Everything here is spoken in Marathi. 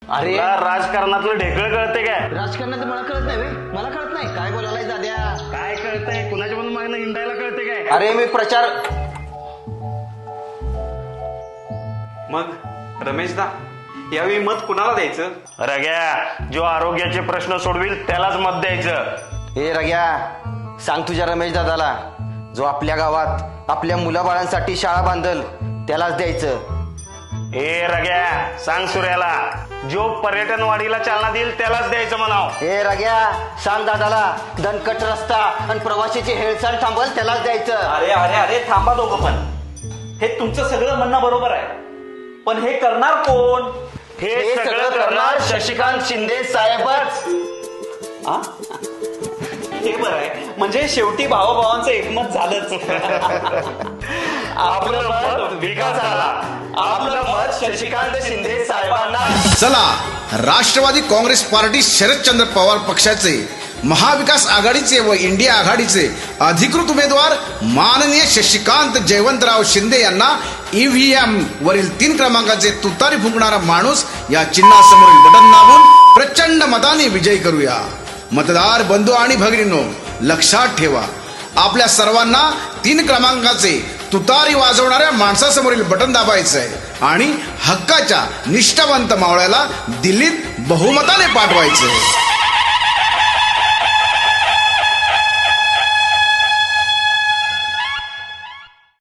अरे तुला राजकारणातलं ढेकळ कळते काय? राजकारणाचं मला कळत नाही बे. मला कळत नाही काय बोलायला दाद्या. काय कळतंय? कुणाच्या पण मागणं हिंडायला कळते काय? अरे मी प्रचार. मग रमेशदा यावेळी मत कुणाला द्यायचं? रग्या, जो आरोग्याचे प्रश्न सोडविल त्यालाच मत द्यायचं. हे रग्या, सांग तुझ्या रमेश दादाला, जो आपल्या गावात आपल्या मुलाबाळांसाठी शाळा बांधल त्यालाच द्यायचं. ए रग्या, सांग सूर्याला, जो पर्यटन वाढीला चालना देईल त्यालाच द्यायचं म्हणाव. हे रग्या, सांग दादाला, दणकट रस्ता आणि प्रवाशीची हेळसांड थांबल त्यालाच द्यायचं. अरे अरे अरे थांबा दोघं पण. हे तुमचं सगळं म्हणणं बरोबर आहे, पण हे करणार कोण? हे सगळं करणार शशिकांत शिंदे साहेबच. आ? हे बरं आहे, म्हणजे शेवटी भावाभावांचं एकमत झालंच. आपलं मत विकासाला, आपलं मत शशिकांत शिंदे साहेबांना. चला, राष्ट्रवादी काँग्रेस पार्टी शरदचंद्र पवार पक्षाचे, महाविकास आघाडीचे व इंडिया आघाडीचे अधिकृत उमेदवार माननीय शशिकांत जयवंतराव शिंदे यांना ईव्हीएम वरील 3 क्रमांकाचे तुतारी फुंकणारा माणूस या चिन्हासमोरील बटन दाबून प्रचंड मताने विजयी करूया. मतदार बंधू आणि भगिनींनो, लक्षात ठेवा, आपल्या सर्वांना 3 क्रमांकाचे तुतारी वाजवणाऱ्या माणसासमोरील बटन दाबायचं आहे आणि हक्काच्या निष्ठावंत मावळ्याला दिल्लीत बहुमताने पाठवायचं आहे.